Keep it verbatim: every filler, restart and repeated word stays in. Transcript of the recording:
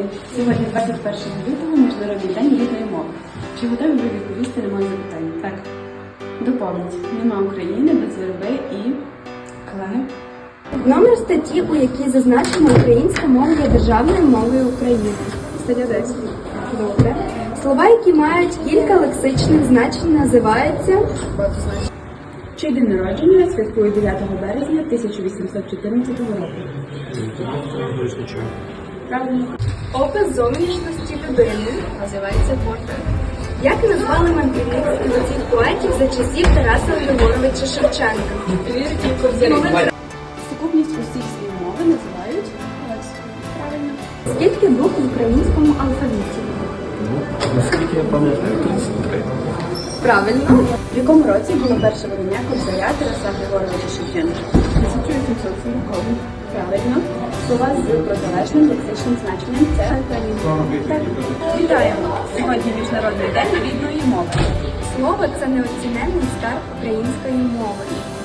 Сьогодні, двадцять першого лютого, Міжнародний день рідної мови. Чи готові ви відповісти на моє запитання? Так. Доповніть. Нема України без верби і... Колеги? Номер статті, у якій зазначено, українська мова є державною мовою України. Стаття десять. Добре. Слова, які мають кілька лексичних значень, називаються... Чий день народження святкує дев'ятого березня тисяча вісімсот чотирнадцятого року? Правильно. Опис зовнішності людини називається портрет. Як назвали мандрівницьких цих поетів за часів Тараса Григоровича Шевченка? Сукупність усіх слів мови називають лексикою. Правильно. Скільки букв в українському алфавіті? Наскільки я пам'ятаю, тридцять три. Правильно. В якому році було перше видання Кобзаря Тараса Григоровича Шевченка? тисяча вісімсот сороковий. Правильно. Слова з протилежним лексичним значенням – це антонім. Так. Вітаємо! Сьогодні Міжнародний день рідної мови. Слово – це неоціненний скарб української мови.